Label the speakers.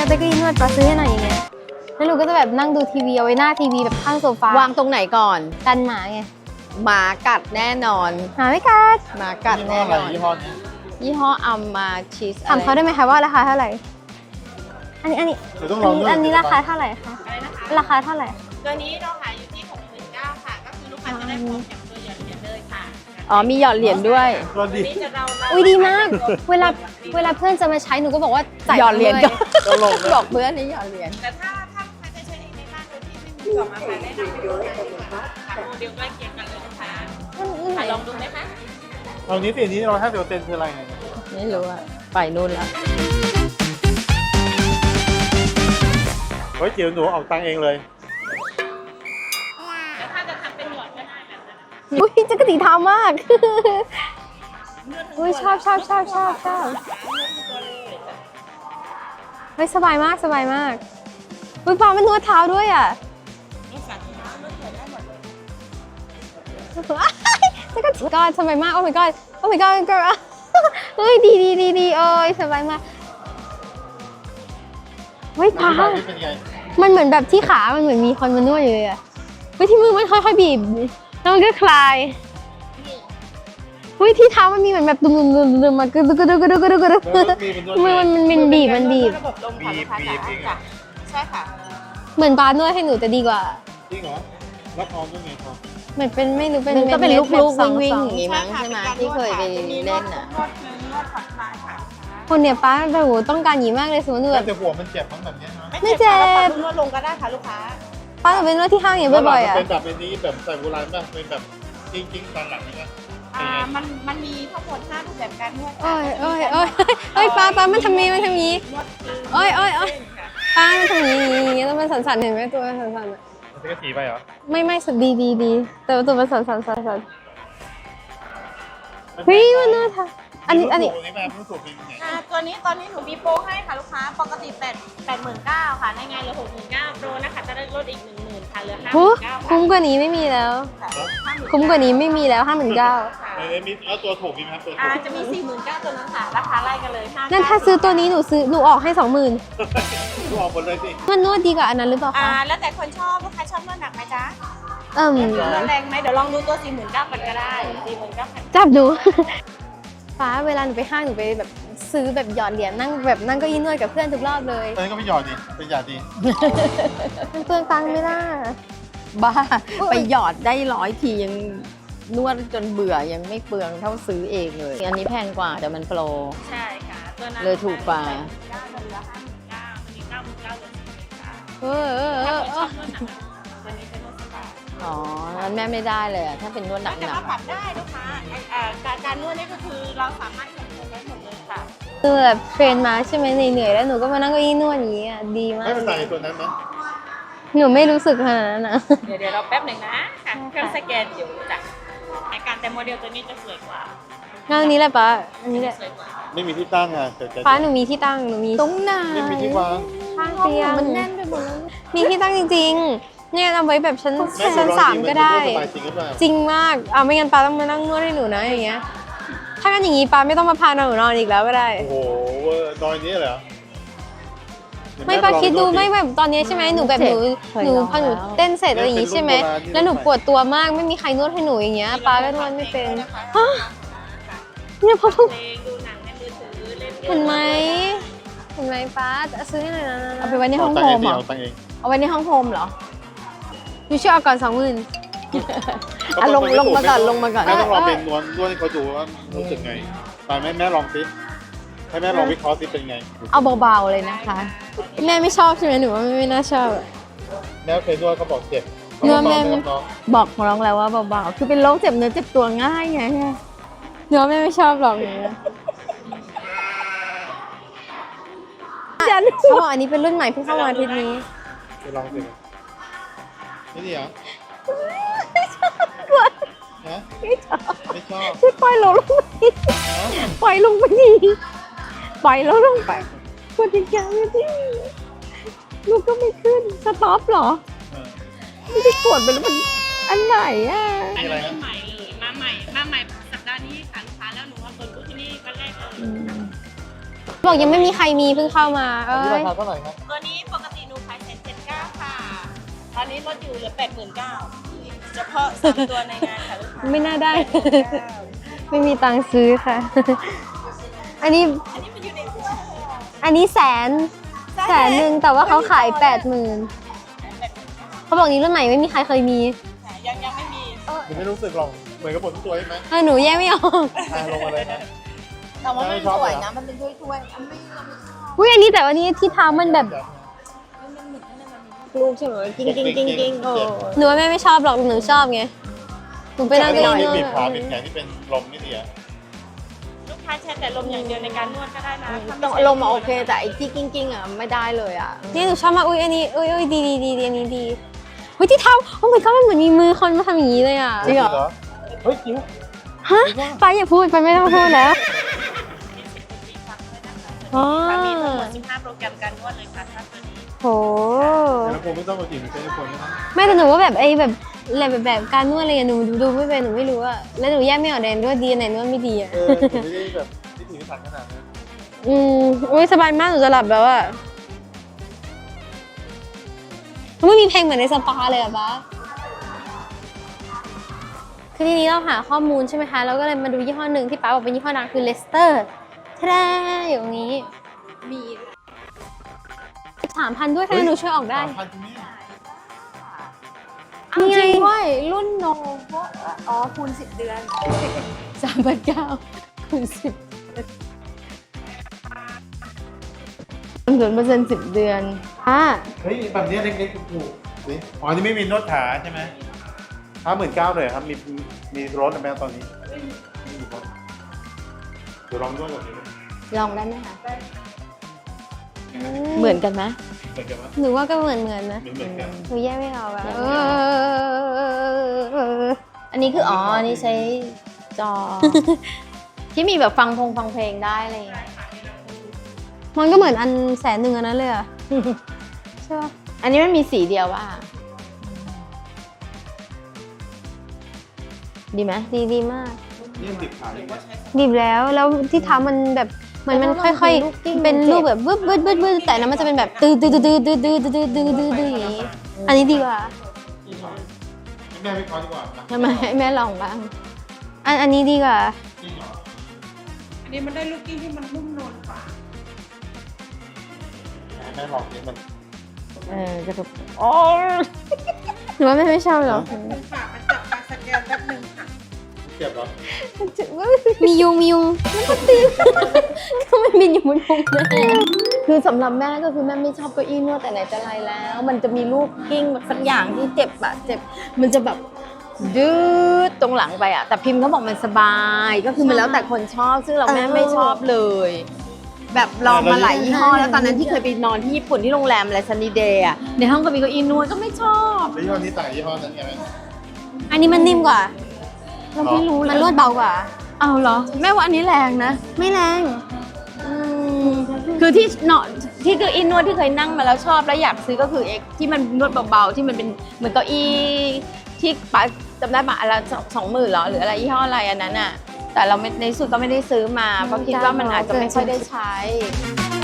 Speaker 1: จะก็นวดปลาซื้อให้หน่อยอย่างเงี้ยแล้วหนูก็จะแบบนั่งดูทีวีเอาไว้หน้าทีวีแบบข้างโซฟาว
Speaker 2: างตรงไหนก่อน
Speaker 1: กันหมาไง
Speaker 2: หมากัดแน่นอน
Speaker 1: หมาไม่กัด
Speaker 2: หมากัดแน่นอน
Speaker 3: ยี่ห้อนี้
Speaker 2: ยี่ห้ออัมมาชีส
Speaker 1: ถามเขาได้ไหมคะว่าราคาเท่าไหร่ อันนี้
Speaker 3: เดี๋ยวต้องลองด้วย
Speaker 1: อันนี้ราคาเท่าไหร่คะราคาเท่าไหร่
Speaker 4: ตัวนี้เราขายอยู่ที่ 69,000 ค่ะ ก็คือลูกค้าจะได้พร้อมกับตัวหยอดเหรียญเลยค่ะ
Speaker 2: อ๋อมีหยอดเหรียญด้วย
Speaker 3: ตัวดี
Speaker 4: นี่จะเรา
Speaker 1: อุ้ยดีมาก เวลาเพื่อนจะมาใช้หนูก็บอกว่าใส่
Speaker 2: หยอดเหรียญ
Speaker 1: ล
Speaker 2: ก็
Speaker 3: ตลกเลย
Speaker 2: บอกเพื่อนนี่หยอดเหรียญ
Speaker 4: แต่ถ้าลูกค้าจะใช้เองในบ้านโดยที่ไม่มีกล่องอาหารแนะนำไปดูได้เลยค่ะโมเดลใกล้เคียงกันเลยลูกค้าค่ะลองดูไหมคะ
Speaker 3: ตอนนี้สีนี้150%คืออะไรเนี่ย
Speaker 2: ไม่รู้อะไปนู่นละ
Speaker 3: เฮ้ยจิ๋วหนูเอาตังค์เองเลย
Speaker 4: แล้วถ้าจะทำเป็นหยอดก็ได้แบบนั้น
Speaker 1: อุ้ยจักรตีเท้ามาก อุ้ยชอบเฮ้ยสบายมากอุ้ยปลามันนวดเท้าด้วยอ่ะ
Speaker 4: ลูกสาวที่ร้านเลือกเกิดได้หมดเลย
Speaker 1: จักรตีก้อนสบายมากโอ้ my god โอ้ my god girl เฮ้ยดีโอ้ยสบายมากเฮ้ยปลา
Speaker 3: เป็นไง
Speaker 1: มันเหมือนแบบที่ขามันเหมือนมีคนมานวดอยู่เลยอ่ะเฮ้ยที่มือมันค่อยๆบีบแล้วมันก็คลายเฮ้ยที่เท้ามันมีเหมือนแบบดุมๆมากระดึกมือมันบีบ
Speaker 4: ระบบลมค่ะลูกค้าจ๋าใช่ค่ะ
Speaker 1: เหมือนปลานวดให้หนูจะดีกว่า
Speaker 3: จริงเหรอแล้วพร้อมด้วยไงพร้อม
Speaker 1: เหมือนเป็นไม่รู้เป็น
Speaker 2: มันก็เป็นลูก
Speaker 1: แบบสอง
Speaker 2: วิ่ง
Speaker 1: ส
Speaker 2: ๆ
Speaker 1: อง
Speaker 2: อย่างงี้มั้งใช่ไหมที่เคยไปเล่นอ่ะ
Speaker 4: นวดคือนวดผ่อนคลายค่ะ
Speaker 1: คนเนี่ยป้าแบบโหต้องการหยีมากเลยสมมติหนูแบบ
Speaker 3: แต่หัวมันเจ็บมั้งแบบเนี้ยนะ
Speaker 1: ไม่เจ็บ
Speaker 4: ค่ะนวดลงก็ได้ค่ะลูกค้า
Speaker 1: ป้าหนูไปนวดที่ห้างอย่างบ่อยๆอ่ะ
Speaker 3: เป็นแบบนี้แบบใส่โบราณป่ะเป็นแบบจริงๆตอนหลังนี่ป่ะ
Speaker 4: มันมีทั้งหมด5รูปแบบการนวด
Speaker 1: โอ้ยป้ามันทำนี้
Speaker 4: นวดคือ
Speaker 1: โอ้ยป้ามันทำอย่างนี้แล้วมันสั่นๆเห็นไหมตัวมันสั่นๆอ่ะ
Speaker 3: มันจะสีไปเหรอ
Speaker 1: ไม่สุดดีแต่ว่าตัวมันสั่นเฮ้ยมันน่าทานอันนี้
Speaker 3: นี่แบบรู้สึกเป็นไง
Speaker 4: ตัวนี้ตอนนี้หนูมีโปรให้ค่ะลูกค้าปกติ89,000ค่ะในงานเหลือ69,000โปรนะคะจะได้ลดอีก 10,000ค่ะเหลือ
Speaker 1: โอ้
Speaker 4: 59,000
Speaker 1: คุ้มกว่านี้ไม่มีแล้ว คุ้มกว่านี้ไม่มีแล้ว59,000
Speaker 3: มีเอาตัวถูกมีไหมครับตัวถูก
Speaker 4: จะมี 49,000ตัวนั้นค่ะราคาไล่กันเลย5
Speaker 1: นั่นถ้าซื้อตัวนี้หนูออกให้ 20,000
Speaker 3: ดูออกหมดเลยสิ
Speaker 1: มันนวดดีกว่าอันนั้นหรือเปล่าคะ
Speaker 4: แล้วแต่คนชอบลูกค้าชอบนวดหนักไหมจ๊ะ
Speaker 1: น
Speaker 4: นวดแรงไหมเดี๋ยวลองดูตัว 49,000กันก็ได้ 49,000
Speaker 1: จับดู ฟ้าเวลาหนูไปห้างหนูไปแบบซื้อแบบหยอดเหรียญนั่งแบบนั่งเก็ยีนวดกับเพื่อนทุกรอบเลย
Speaker 3: ตอนนี้ก็ไม่หยอดดิเป็นหยาดดิ
Speaker 1: มันเปลืองตังค์ไหม่ล่ะ
Speaker 2: บ้าไปหยอดได้100 ทียังนวดจนเบื่อยังไม่เปลืองเท่าซื้อเองเลย อันนี้แพงกว่าแต่มันโปร
Speaker 4: ใช่ค่ะตัวนั้น
Speaker 2: เลยถูกกว่า
Speaker 4: เหลือ59,000ตัวนี้99,000เหลือ49,000
Speaker 1: เออ
Speaker 4: ถ้าคนชอบนวดหนักตัวนี้เป็นนวดสปา
Speaker 2: อ๋องั้นแม่ไม่ได้เลยอะถ้าเป็นนวดห
Speaker 4: แต่
Speaker 2: นั
Speaker 4: ว่าก ปรับได้ลูกค้าการนวดนี่ก็คือเราสามารถคอนโทรลได้หมดเลยค่ะ
Speaker 1: คือแบบเทรนมาใช่ไหมเหนื่อยๆแล้วหนูก็มานั่งเก็ยีนวดอย่างนี้อ่ะดีมาก
Speaker 3: ให้มันใส่ตัวนั้นไหม
Speaker 1: หนูไม่รู้สึกขนาดนั้นนะ
Speaker 4: เดี๋ยวเราแป๊บหนึ่งนะค่ะเครื่องสแกนอยู่จ้ะการแต่โมเดลตัวนี้จะสวยกว่า
Speaker 1: งั้นอันนี้แหละป้าอันนี้แหละ
Speaker 4: สวยกว่า
Speaker 3: ไม่มีที่ตั้งอ่ะแต่จะ
Speaker 1: ป้าหนูมีที่ตั้งหนูมี
Speaker 2: ตรงไหน
Speaker 3: ไม่มีที่วาง
Speaker 1: ข้างเตียง
Speaker 2: มันแน่นไปหมดแล้ว
Speaker 1: มีที่ตั้งจริงๆเนี่ยเอาไว้แบบชั้น
Speaker 3: แม่
Speaker 1: ชั้น
Speaker 3: ลอง
Speaker 1: 3ก็ได้
Speaker 3: สบายจริงหรือเปล่า
Speaker 1: จริงมากเอาไม่งั้นป้าต้องมานั่งนวดให้หนูนะอย่างเงี้ย ถ้างั้นอย่างงี้ป้าไม่ต้องมาพาหนูนอนอีกแล้วก็ได้
Speaker 3: โอ้โหดอยนี้เหรอ
Speaker 1: ไม่ป้าคิดดูไม่แบบตอนนี้ใช่ไหมหนูแบบหนูพอหนูเต้นเสร็จอะไรอย่างงี้ใช่ไหมแล้วหนูปวดตัวมากไม่มีใครนวดให้หนูอย่างเงี้ยป้าก็นวดไม่เป็นฮะเนี่ยพอ
Speaker 4: เพลงดูหนังในมือถือเล่น
Speaker 1: เห็นไหมป้าจะซื้อให้หน่อยนะ
Speaker 2: เอาไปไว้ในห้อง
Speaker 3: ตั
Speaker 2: โฮ
Speaker 3: ง
Speaker 2: ม
Speaker 3: เอง
Speaker 2: เหรอ
Speaker 3: เอาตังเอง
Speaker 2: เอาไว้ในห้องโฮมเหรอ
Speaker 1: หนูช่วยเอาก่อน20,000
Speaker 2: อ่ะลงมาก่อนลงมาก่อน
Speaker 3: แม่ต้องลองเป็นนวดให้เขาดูว่ารู้สึกไงไปแม่ลองสิให้แม่ลองวิเคราะห์สิเป็นไง
Speaker 2: เอาเบาๆเลยนะคะ
Speaker 1: แม่ไม่ชอบใช่ไหมหนูว่าไม่น่าชอบ
Speaker 3: แม่เคยนวดเขาบอกเจ็บ
Speaker 1: นวดแม่
Speaker 2: บอกน้องแล้วว่าเบาๆ คือเป็นโรคเจ็บเนื้อเจ็บตัวง่ายไง
Speaker 1: หนูว่าแม่ไม่ชอบหรอกอย่างเงี้ยเขาบอกอันนี้เป็นรุ่นใหม่เพิ่งเข้ามาอาทิตย์นี้
Speaker 3: ไปลองสิไม่ดีเหรอฮะไม่ชอบ
Speaker 2: ช่วยปล่อยเราลงไปปล่อยลงไปดิปล่อยเราลงไปกดอีกอย่างเลยดิลูกก็ไม่ขึ้น สต็อปเหรอ ไม่ได้กดไปแล้วมันอันไหนอ่ะ
Speaker 3: มีอะไรนะ
Speaker 4: ใหม่เลยมาใหม่สัปดาห์นี้ค่ะลูกค้าแล้วหนูว่าเปิดบูธที่นี่วันแรกเลย
Speaker 1: บอกยังไม่มีใครมีเพิ่งเข้ามาเอ้
Speaker 3: อันนี้ราย คาเท่าไหร่ครับ
Speaker 4: ตัวนี้ปกติหนูขาย1,779ค่ะ ตอนนี้ลดอยู่เหลือ89,000เฉพาะ3ตัวในงานค่ะลูกค้า
Speaker 1: ไม่น่าได้ ไม่มีตังค์ซื้อค่ะ อันนี้
Speaker 4: อันนี้มันอยู่ในถ้วย
Speaker 1: อันนี้แสนหนึ่งแต่ว่าเขาขาย80,000เขาบอกนี้รุ่นใหม่ไม่มีใครเคยมี
Speaker 4: ค่ะยังไม่มี
Speaker 3: มันไม่รู้สึกหรอกเหมือนกับหมดทุกตัวใช่ไหม
Speaker 1: หนูแยกไม่ออก
Speaker 3: ลงมาเลยนะ
Speaker 4: แต่ว่ามัน
Speaker 3: ไม่ชอบ
Speaker 4: สวย
Speaker 3: เหรอ
Speaker 4: นะ มันเป็นถ้วยๆอันไม่เราไม่ชอบ
Speaker 1: อุ้ยอันนี้แต่ว่านี้ที่เท้ามันแบบ
Speaker 4: มันเหมือนนั่นน่ะมัน
Speaker 2: ลูกใช่ไหมจริงจริงจริงจริง
Speaker 3: เจ็บ
Speaker 1: หนูว่าแม่ไม่ชอบหรอกหนูชอบไงหนูไปนั่ง
Speaker 3: ไม่
Speaker 1: ก็
Speaker 3: ต้อง
Speaker 1: ได้
Speaker 3: มี
Speaker 1: นว
Speaker 3: บีบขา
Speaker 1: ด
Speaker 3: บีบแขนที่เป็นลมนี่เดียว
Speaker 4: ลูกค้าใช้แต่ลมอย่างเดียวในการนวดก็ได้นะถ้า
Speaker 2: ต้อง
Speaker 4: ไใช้
Speaker 2: ลมณ์โอเคแต่ไอ้ที่กิ้งกิ้งอ่ะไม่ได้เลยอ่ะ
Speaker 1: นี่หนูชอบมากอุ้ยอันนี้อุ้ยดีอันนี้ดีเฮ้ยที่เท้าโอ้ my god มันเหมือนมีมือคนมาทำอย่างนี้เลยอ่ะ
Speaker 2: จริงเหรอ
Speaker 3: เฮ้ยจริง
Speaker 1: ฮะไปอย่าพูดไปไม่ต้องพูดแล้ว
Speaker 4: มี10ปีฟังด้วยนะคะ
Speaker 1: อ๋อ
Speaker 4: มีทั้งหมด15โปรแกรมการนวดเลยค่ะถ้าตัวนี้
Speaker 1: โห
Speaker 3: แต่ละคนไม่ต้องมาจีบใช้ทุกคนนะ
Speaker 1: ไม่แต่หนูว่าแบบไอ้แบบการนวดอะไรอย่างหนูดูไม่เป็นหนูไม่รู้อะแล้วหนูแยกไม่ออกแดนด้วยดีอันไหนนวดไม่ดีอะ
Speaker 3: ผมไม่ได้แบบที่ถือถันขนาดนั้น
Speaker 1: อุ้ยสบายมากหนูจะหลับแล้วอะมันไม่มีเพลงเหมือนในสปาเลยอะบ้าคือทีนี้เราหาข้อมูลใช่ไหมคะเราก็เลยมาดูยี่ห้อหนึ่งที่ป้าบอกเป็นยี่ห้อดังคือเลสเตอร์ทาอยู่ตรงนี้
Speaker 4: มี
Speaker 1: 3,000ด้วยค่ะหนูช่วยออกได้
Speaker 3: 3,000ที่นี่
Speaker 1: นี่ไง
Speaker 2: จริงด้วยรุ่นโนโวอ๋อคูณ10 เดือน
Speaker 1: 3,900คูณ10
Speaker 2: 0% 10 เดือน
Speaker 3: เฮ้ยแบบนี้เล็กๆถูกๆสิอ๋อนี่ไม่มีนวดขาใช่ไหม59,000เลยครับมีรถไหมตอนนี้ไม่มีรถเดี๋ยวลองนวดก่อนดิ
Speaker 2: ลองได้ไหมคะเหมือนกันไหม
Speaker 3: เหมือนกันไหม
Speaker 1: หนูว่าก็เหมือนนะ
Speaker 3: เหมือนกัน
Speaker 1: หนูแยกไม่ออกอะ
Speaker 2: แยกไม่ออก อันนี้คืออ๋ออันนี้ใช้จอ ที่มีแบบฟังเพลงได้อะไรอย่างเงี้ย
Speaker 1: มันก็เหมือนอัน100,000อันนั้นเลยอะใช่ปะ
Speaker 2: อันนี้มันมีสีเดียวว่ะดีไหม
Speaker 1: ดีมาก
Speaker 3: นี่ติดขาเลย
Speaker 1: ดีบแล้วที่เท้ามันแบบเหมือนมันค่อยๆ เป็นรูปแบบบึ้ดแต่นั้นมันจะเป็นแบบตื้ออย่างนี้ อันนี้ดีกว่า
Speaker 3: แม่ไม่คอดีกว่านะ
Speaker 2: ทำไมให้แม่ลองบ้าง
Speaker 1: อันนี้ดีกว่า
Speaker 3: จริงเหรอ
Speaker 4: อันนี้มันได้ลูกกิ้งที่มันนุ่มนวลกว่า
Speaker 3: แม่ลองนี่มัน
Speaker 2: จะแบบโอ้
Speaker 1: หนูว่าไม่ชอบหรอก
Speaker 4: ฝากมาจับมาสแกนแป๊บนึงค่ะ
Speaker 3: เจ็บเหรอ
Speaker 1: มียุงแล้วก็ตีก็มันบินอยู่บนพุงแม่
Speaker 2: คือสำหรับแม่ก็คือแม่ไม่ชอบเก้าอี้นวดแต่ไหนแต่ไรแล้ว มันจะมีลูกกิ้งแบบสักอย่างที่เจ็บอะเจ็บ มันจะแบบดื้อตรงหลังไปอะแต่พิมพ์เขาบอกมันสบาย ก็คือมันแล้วแต่คนชอบ ซึ่งเราแม่ไม่ชอบเลย แบบลองมาหลายยี่ห้อแล้วตอนนั้นที่เคยไปนอนที่ญี่ปุ่นที่โรงแรมอะไรซันนีเดย์อะในห้องก็มีเก้าอี้นวดก็ไม่ชอบ
Speaker 3: แล้วยี่ห้อนี้ต่างยี่ห้อนั้นไงไหม
Speaker 1: อันนี้มันนิ่มกว่า
Speaker 2: เราไม่รู้
Speaker 1: มันนวดเบากว่า
Speaker 2: เอาเหรอแม่ว่าอันนี้แรงนะ
Speaker 1: ไม่แรง
Speaker 2: คือที่เนาะที่เก้าอี้นวดที่เคยนั่งมาแล้วชอบแล้วอยากซื้อก็คือเอ็กที่มันนวดเบาๆที่มันเป็นเหมือนเก้าอี้ที่ป้าจำได้ปะอะไร20,000เหรอหรืออะไรยี่ห้ออะไรอันนั้นอ่ะแต่เราไม่ในสุดก็ไม่ได้ซื้อมาเพราะคิดว่ามันอาจจะไม่ค่อยได้ใช้